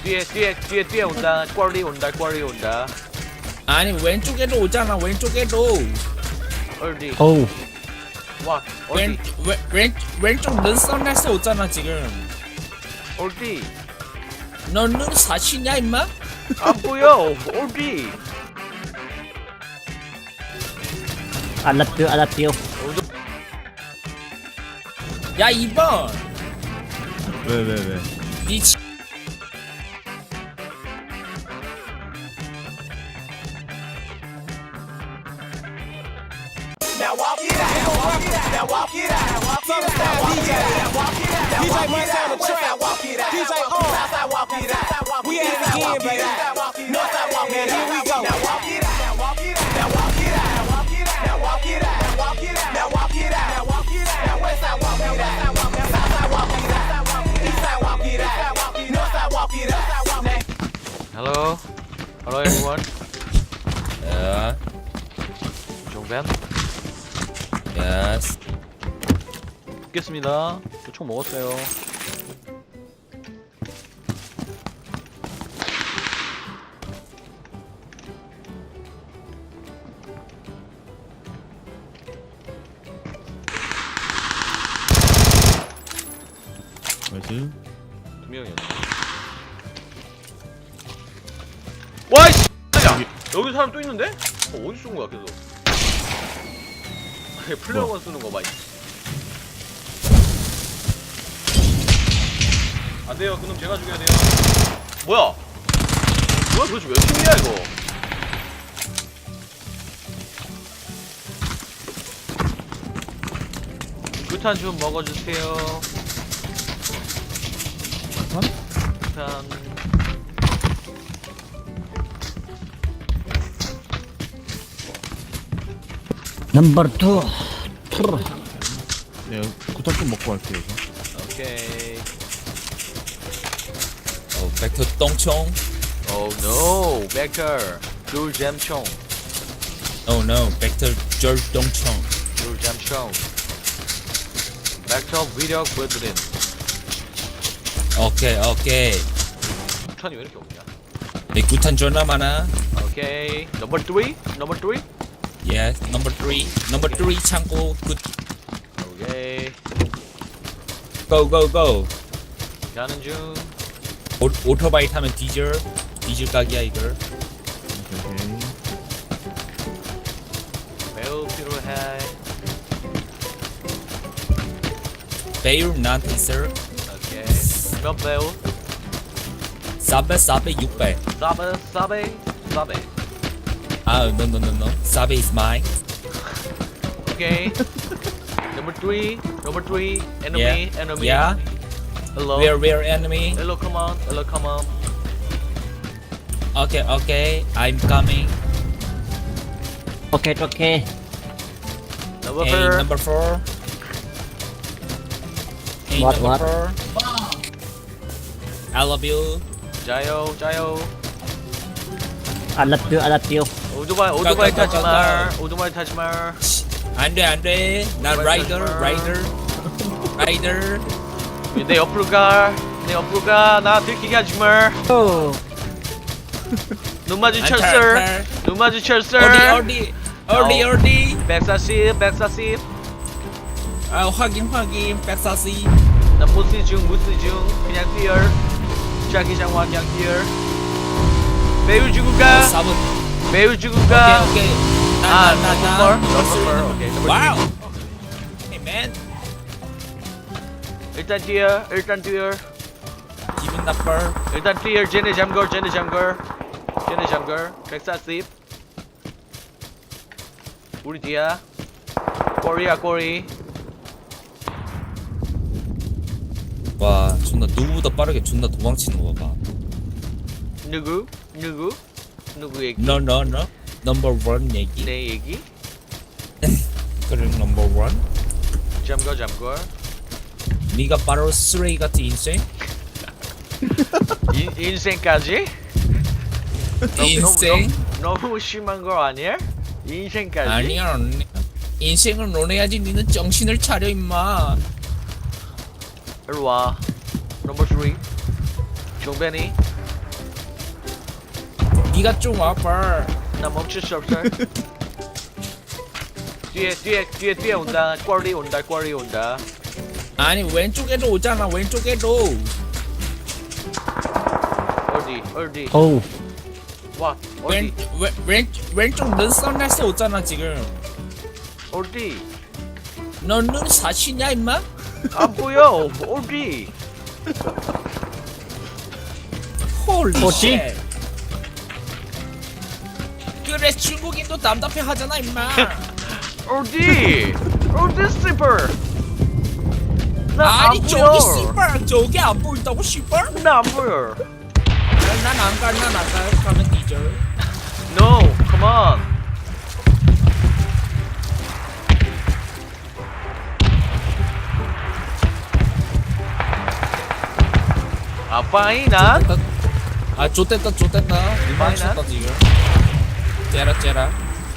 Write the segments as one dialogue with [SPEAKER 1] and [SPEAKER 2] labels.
[SPEAKER 1] 뒤에 온다. 꽈리 온다.
[SPEAKER 2] 아니 왼쪽에도 오잖아. 왼쪽에도.
[SPEAKER 1] 어디?
[SPEAKER 3] 어우
[SPEAKER 1] 와, 어디?
[SPEAKER 2] 왼쪽 눈선에서 오잖아 지금.
[SPEAKER 1] 어디?
[SPEAKER 2] 너는 사시냐 임마?
[SPEAKER 1] 안 보여. 어디?
[SPEAKER 3] 알라뷰
[SPEAKER 2] 야 2번.
[SPEAKER 4] 왜?
[SPEAKER 2] 니 치...
[SPEAKER 5] DJ Mike on the track. DJ we at it again, baby. Now here we go. Now walk it out. Now walk it out. Now walk it out. Now walk it out. Now walk it out. Now walk it out. Now walk it out. Now walk it out. Now west side walk it out. South side walk it out. East side walk it out. North side walk it out.
[SPEAKER 1] Hello everyone.
[SPEAKER 2] 야,
[SPEAKER 1] 종벤
[SPEAKER 2] 예스.
[SPEAKER 1] 붙겠습니다. 저 총 먹었어요.
[SPEAKER 4] 나이스.
[SPEAKER 1] 두 명이었네. 와 이씨! 야! 여기 사람 또 있는데? 어디 쏜 거야 계속? 플레어건 쓰는 거 봐. 안 돼요. 그놈 제가 죽여야 돼요. 뭐야 도대체 몇 팀이야 이거? 구탄 좀 먹어주세요. 구탄.
[SPEAKER 3] 넘버 2
[SPEAKER 4] 내가 구타 좀 먹고 갈게요. 이거.
[SPEAKER 1] 오케이.
[SPEAKER 2] 벡터 똥총.
[SPEAKER 1] Oh no, 벡터 귤잼총.
[SPEAKER 2] Oh no, 벡터 절 똥총.
[SPEAKER 1] 귤잼총. 벡터 위력 브드린.
[SPEAKER 2] 오케이.
[SPEAKER 1] 구탄이 왜 이렇게 없냐?
[SPEAKER 2] 내 구탄 존나 많아.
[SPEAKER 1] 오케이. 넘버 3.
[SPEAKER 2] Yes, number 3 창고 굿.
[SPEAKER 1] 오케이.
[SPEAKER 2] Go.
[SPEAKER 1] 가는 중.
[SPEAKER 2] 오토바이 타면 디젤 각이야 이걸.
[SPEAKER 4] 오케이.
[SPEAKER 1] 매우 필요해.
[SPEAKER 2] 배율 나한테 있어.
[SPEAKER 1] 오케이. 몇 배우?
[SPEAKER 2] 400 600.
[SPEAKER 1] 사베.
[SPEAKER 2] 아, no. 사베 is mine.
[SPEAKER 1] 오케이. Number 3. Enemy.
[SPEAKER 2] Yeah.
[SPEAKER 1] Hello.
[SPEAKER 2] Where enemy?
[SPEAKER 1] Hello, come on.
[SPEAKER 2] Okay. I'm coming.
[SPEAKER 3] 오케이
[SPEAKER 2] Hey, number 4. Hey,
[SPEAKER 3] What?
[SPEAKER 2] number 4. I love you.
[SPEAKER 1] 자요.
[SPEAKER 3] 알라뷰
[SPEAKER 1] 오토바이
[SPEAKER 2] 가.
[SPEAKER 1] 타지 말.
[SPEAKER 2] 안돼. 나 라이더.
[SPEAKER 1] 내 옆으로 가. 나 들키게 하지 말. 눈 마주쳤어.
[SPEAKER 2] 어디.
[SPEAKER 1] 140.
[SPEAKER 2] 아, 확인. 140.
[SPEAKER 1] 나 무시 중. 그냥 뛰어. 자기장 그냥 뛰어. 매우 죽고 가.
[SPEAKER 2] 4번. 오케이. 나.
[SPEAKER 1] Number 4. 오케이.
[SPEAKER 2] 와우. Hey man.
[SPEAKER 1] 일단 뛰어.
[SPEAKER 2] 기분 나빠.
[SPEAKER 1] 일단 뛰어. 쟤네 잠걸. 140. 우리 뒤야. 꼬리.
[SPEAKER 2] 와, 존나 누구보다 빠르게 존나 도망치는 거 봐.
[SPEAKER 1] 누구 얘기?
[SPEAKER 2] No. Number 1 얘기.
[SPEAKER 1] 내 얘기?
[SPEAKER 2] 그래, number 1.
[SPEAKER 1] 잠걸.
[SPEAKER 2] 네가 바로 쓰레기 같은 인생?
[SPEAKER 1] 인생까지?
[SPEAKER 2] 인생?
[SPEAKER 1] 너무 심한 거 아니야? 인생까지?
[SPEAKER 2] 아니야. 인생을 논해야지. 니는 정신을 차려 임마.
[SPEAKER 1] 일로와. 넘버 3. 종벤이.
[SPEAKER 2] 네가 좀 와봐.
[SPEAKER 1] 나 멈출 수 없어. 뒤에 온다. 꽈리 온다.
[SPEAKER 2] 아니 왼쪽에도 오잖아. 왼쪽에도.
[SPEAKER 1] 어디?
[SPEAKER 3] Oh.
[SPEAKER 1] 와, 어디?
[SPEAKER 2] 왼쪽 눈선에서 오잖아 지금.
[SPEAKER 1] 어디?
[SPEAKER 2] 너 눈 사시냐 임마?
[SPEAKER 1] 안 보여. 어디?
[SPEAKER 2] 홀리
[SPEAKER 3] 어디?
[SPEAKER 2] 쉣. 그래 중국인도 답답해 하잖아 임마.
[SPEAKER 1] 어디 스리퍼? 나 안
[SPEAKER 2] 아니
[SPEAKER 1] 보여.
[SPEAKER 2] 저기 씨발 저기 안 보인다고 씨발?
[SPEAKER 1] 나 안 보여.
[SPEAKER 2] 난안 가. 가면 뒤져.
[SPEAKER 1] No, come on. 아빠이난?
[SPEAKER 2] 아 좋댔다 이만 쳤다 지금. 째라.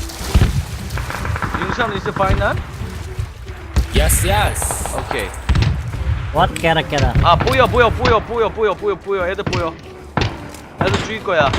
[SPEAKER 1] 윤선 is 파이난?
[SPEAKER 2] Yes.
[SPEAKER 1] 오케이.
[SPEAKER 3] What? Kera.
[SPEAKER 1] 아 보여. 애들 보여. 애들 죽일 거야.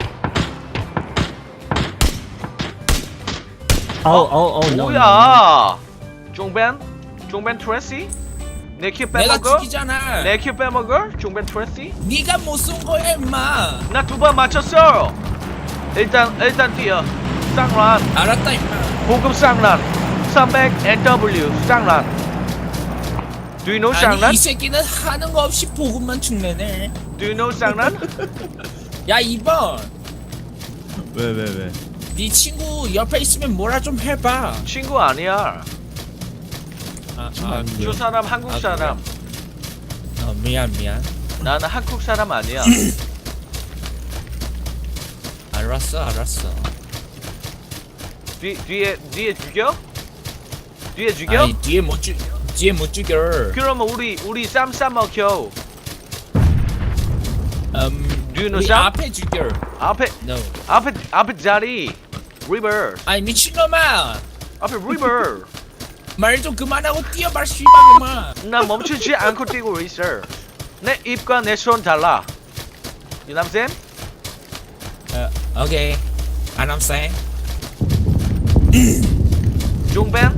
[SPEAKER 3] Oh, no.
[SPEAKER 1] 뭐야? 종벤 트레시? 내 큐
[SPEAKER 2] 내가
[SPEAKER 1] 빼먹어?
[SPEAKER 2] 죽이잖아.
[SPEAKER 1] 내 큐 빼먹어? 종벤 트레시?
[SPEAKER 2] 네가 못 쏜 거야 임마.
[SPEAKER 1] 나 2번 맞췄어. 일단 뛰어. 쌍란.
[SPEAKER 2] 알았다 임마.
[SPEAKER 1] 보급 쌍란. 300 NW 쌍란. Do you know
[SPEAKER 2] 아니
[SPEAKER 1] 쌍란?
[SPEAKER 2] 이 새끼는 하는 거 없이 보급만 축내네.
[SPEAKER 1] Do you know 쌍란?
[SPEAKER 2] 야 2번.
[SPEAKER 4] 왜?
[SPEAKER 2] 네 친구 옆에 있으면 뭐라 좀 해봐.
[SPEAKER 1] 친구 아니야.
[SPEAKER 2] 아,
[SPEAKER 1] 저 사람 한국
[SPEAKER 2] 아,
[SPEAKER 1] 사람.
[SPEAKER 2] 미안.
[SPEAKER 1] 나는 한국 사람 아니야.
[SPEAKER 2] 알았어.
[SPEAKER 1] 뒤에 죽여? 뒤에 죽여?
[SPEAKER 2] 아니 뒤에 못 죽여.
[SPEAKER 1] 그러면 우리 쌈 싸먹혀. Do you know
[SPEAKER 2] 우리
[SPEAKER 1] 쌈?
[SPEAKER 2] 앞에 죽여.
[SPEAKER 1] 앞에
[SPEAKER 2] No.
[SPEAKER 1] 앞에 자리. 리버.
[SPEAKER 2] 아니 미친놈아.
[SPEAKER 1] 앞에 리버.
[SPEAKER 2] 말 좀 그만하고 뛰어봐 씨발놈아.
[SPEAKER 1] 나 멈추지 않고 뛰고 있어. 내 입과 내 손 달라. You know what I'm saying?
[SPEAKER 2] 오케이. And I'm saying.
[SPEAKER 1] 종벤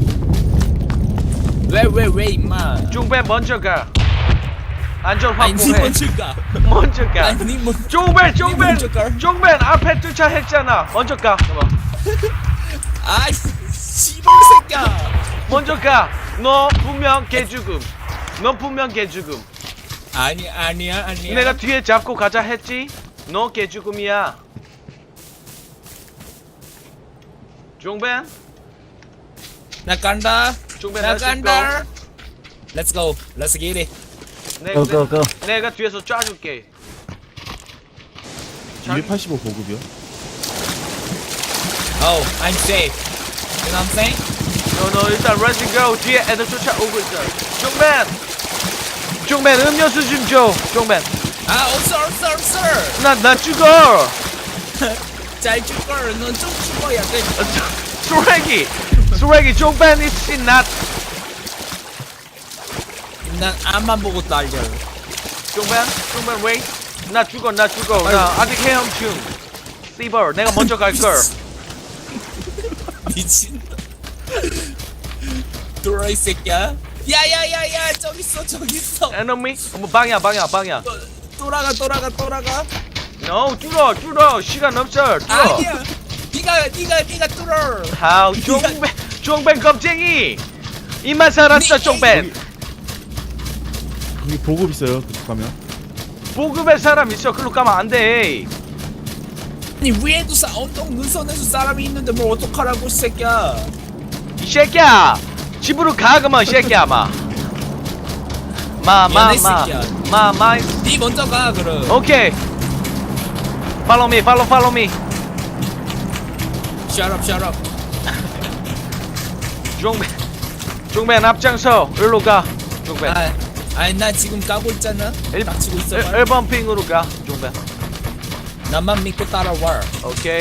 [SPEAKER 2] 왜 임마.
[SPEAKER 1] 종벤 먼저 가. 안전
[SPEAKER 2] 아니 니
[SPEAKER 1] 확보해.
[SPEAKER 2] 먼저 가.
[SPEAKER 1] 먼저 가.
[SPEAKER 2] 아니 니 먼저.
[SPEAKER 1] 종벤
[SPEAKER 2] 먼저 가.
[SPEAKER 1] 종벤 앞에 주차했잖아. 먼저 가.
[SPEAKER 2] 아이 씨발 새끼야.
[SPEAKER 1] 먼저 가. 너 분명 개죽음.
[SPEAKER 2] 아니야.
[SPEAKER 1] 내가 뒤에 잡고 가자 했지? 너 개죽음이야. 종벤
[SPEAKER 2] 나 간다.
[SPEAKER 1] 종벤
[SPEAKER 2] 나
[SPEAKER 1] let's
[SPEAKER 2] 간다. Let's go. Let's get it.
[SPEAKER 3] Go.
[SPEAKER 1] 내가 뒤에서 쏴줄게.
[SPEAKER 4] 285 보급이요?
[SPEAKER 2] Oh, I'm safe. You know what I'm saying?
[SPEAKER 1] 너 일단 let's go. 뒤에 애들 쫓아오고 있어. 종벤 음료수 좀 줘. 종벤
[SPEAKER 2] 아 없어.
[SPEAKER 1] 나 죽어.
[SPEAKER 2] 잘 죽걸. 넌 좀 죽어야 돼.
[SPEAKER 1] 쓰레기 종벤 is not.
[SPEAKER 2] 난 앞만 보고 달려.
[SPEAKER 1] 종벤 wait. 나 죽어. 나 아직 헤엄충. 씨발 내가 먼저 갈걸.
[SPEAKER 2] 미친. 돌아 이 새끼야. 야야야야 저기 있어.
[SPEAKER 1] enemy 방이야.
[SPEAKER 2] 돌아가.
[SPEAKER 1] No 뚫어. 시간 없어. 뚫어.
[SPEAKER 2] 아니야. 네가 뚫어.
[SPEAKER 1] 하우 종벤 겁쟁이. 이만 살았어 종벤.
[SPEAKER 4] 여기 보급 있어요. 그쪽 가면.
[SPEAKER 1] 보급의 사람 있어. 글로 가면 안 돼.
[SPEAKER 2] 아니 위에도 언덕 눈선에서 사람이 있는데 뭘 어떡하라고 이 새끼야.
[SPEAKER 1] 이 새끼야 집으로 가 그만 이 새끼야 마
[SPEAKER 2] 미안해, 새끼야. 네 먼저 가 그럼.
[SPEAKER 1] 오케이 follow me
[SPEAKER 2] Shut up.
[SPEAKER 1] 종벤 앞장서 일로 가 종벤
[SPEAKER 2] 아니 나 지금 가고 있잖아. 닥치고 있어.
[SPEAKER 1] 1번 핑으로 가 종벤
[SPEAKER 2] 나만 믿고 따라와.
[SPEAKER 1] 오케이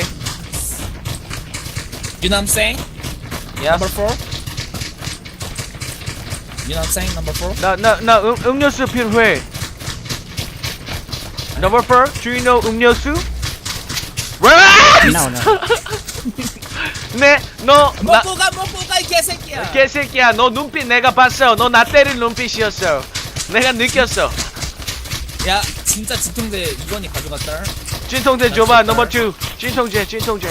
[SPEAKER 2] You know what I'm saying?
[SPEAKER 1] yes
[SPEAKER 2] Number 4. You know what I'm saying? Number 4.
[SPEAKER 1] 나 음료수 필요해 Number 4 do you know 음료수? 왜?
[SPEAKER 3] No, no.
[SPEAKER 1] 네, 너 나,
[SPEAKER 2] 먹고 가, 이 개새끼야.
[SPEAKER 1] 개새끼야, 너 눈빛 내가 봤어. 너 나 때릴 눈빛이었어. 내가 느꼈어.
[SPEAKER 2] 야, 진짜 지통대 이건이 가져갔다.
[SPEAKER 1] 진통제 줘봐. 넘버 2. 진통제.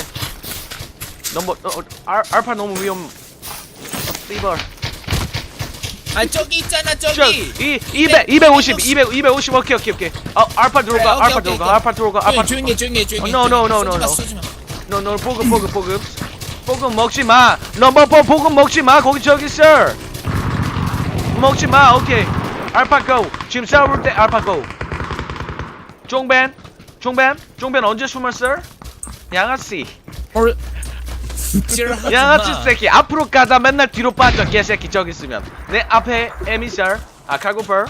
[SPEAKER 1] 넘버 알파 너무 위험. 씨발.
[SPEAKER 2] 아, 저기 있잖아, 저기.
[SPEAKER 1] 250 오케이. 알파 들어가.
[SPEAKER 2] 오케이,
[SPEAKER 1] 알파
[SPEAKER 2] 오케이,
[SPEAKER 1] 들어가.
[SPEAKER 2] 오케이.
[SPEAKER 1] 알파 들어가.
[SPEAKER 2] 조용히 해.
[SPEAKER 1] No.
[SPEAKER 2] 쏘지 마.
[SPEAKER 1] 너 보급 먹지 마. 넘버 4 보급 먹지 마. 거기 저기 있어. 먹지 마. 오케이. 알파 고. 지금 싸울 때 알파 고. 종벤 언제 숨었어? 양아씨. 양아치 새끼 앞으로 가다 맨날 뒤로 빠져 개새끼 저기 있으면 내 앞에 에미살 카고펄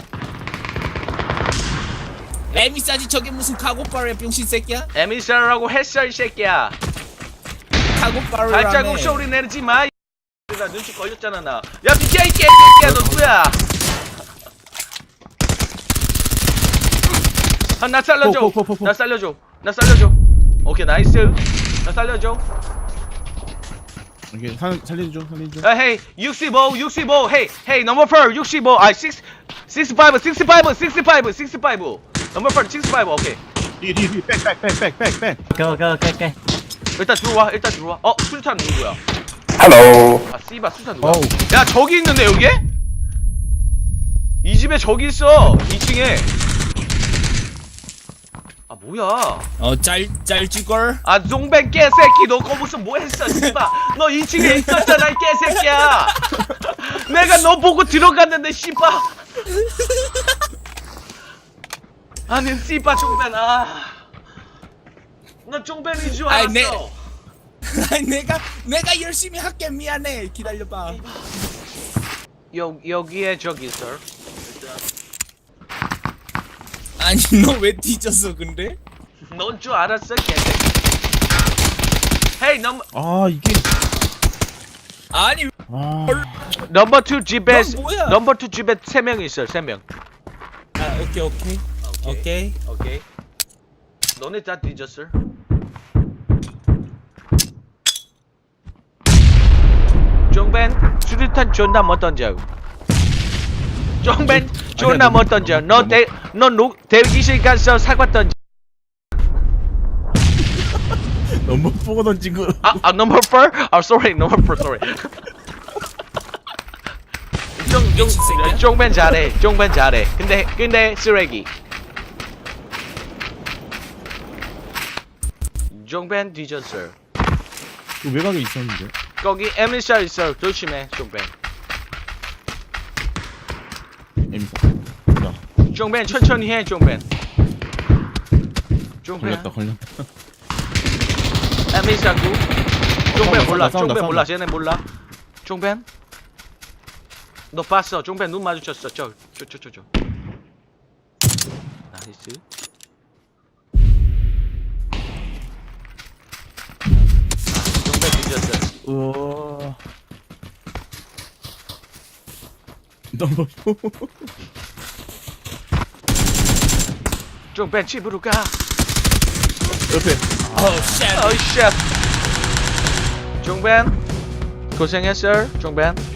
[SPEAKER 2] 에미싸지 저게 무슨 카고파르야 병신 새끼야?
[SPEAKER 1] 에미살이라고 했어 이 새끼야.
[SPEAKER 2] 카고파르라며.
[SPEAKER 1] 발자국 소리 내지 마. 나 눈치 걸렸잖아 나. 야 비켜 이 개새끼야 너 누구야? 나 살려줘. 나 살려줘. 오케이 나이스. 나 살려줘.
[SPEAKER 4] 이게 살려줘.
[SPEAKER 1] Hey 65 Hey number 4 65 65 number 4 65 오케이.
[SPEAKER 4] 뒤 백.
[SPEAKER 3] Go, go.
[SPEAKER 1] 일단 들어와. 수류탄 누구야?
[SPEAKER 6] Hello.
[SPEAKER 1] 씨발 수류탄 누구야?
[SPEAKER 3] 어우.
[SPEAKER 1] 야 저기 있는데 여기에? 이 집에 저기 있어 2층에. 뭐야?
[SPEAKER 2] 짤찌걸.
[SPEAKER 1] 종벤 개새끼 너 거기서 뭐 했어 씨발. 너 2층에 있었잖아 이 개새끼야. 내가 너 보고 들어갔는데 씨발. 아니 씨발 종벤 너 종벤인 줄 알았어.
[SPEAKER 2] 아니, 내가 열심히 할게. 미안해. 기다려봐.
[SPEAKER 1] 여기에 저기 있어.
[SPEAKER 2] 아니, 너 왜 뒤졌어 근데?
[SPEAKER 1] 넌 줄 알았어 개새끼. 헤이
[SPEAKER 4] 이게
[SPEAKER 2] 아니,
[SPEAKER 1] 넘버 2 집에
[SPEAKER 2] 넌 뭐야?
[SPEAKER 1] 넘버 2 집에 3명 있어 3명.
[SPEAKER 2] 아, 오케이.
[SPEAKER 1] 너네 다 뒤졌어. 종벤 수류탄 존나 못 던져. 종벤 존나 못 던져. 너 대기실 가서 사과 던져.
[SPEAKER 4] 너무 보고 던진 거.
[SPEAKER 1] number 4? sorry, number 4, sorry. 종벤 잘해. 근데 쓰레기. 종벤 뒤졌어.
[SPEAKER 4] 그 외곽에 있었는데.
[SPEAKER 1] 거기 에미사 있어. 조심해, 종벤.
[SPEAKER 4] 에미사.
[SPEAKER 1] 종벤 천천히 해, 종벤.
[SPEAKER 4] 걸렸다.
[SPEAKER 1] 에미사구. 종벤 몰라.
[SPEAKER 4] 싸운다.
[SPEAKER 1] 쟤네 몰라. 종벤. 너 봤어. 종벤 눈 마주쳤어. 저. 나이스. 종벤 뒤졌어.
[SPEAKER 4] 우와. 넘버 4.
[SPEAKER 1] 종벤 집으로 가.
[SPEAKER 4] 옆에.
[SPEAKER 1] 어이 쉣. 종벤 고생했어. 종벤.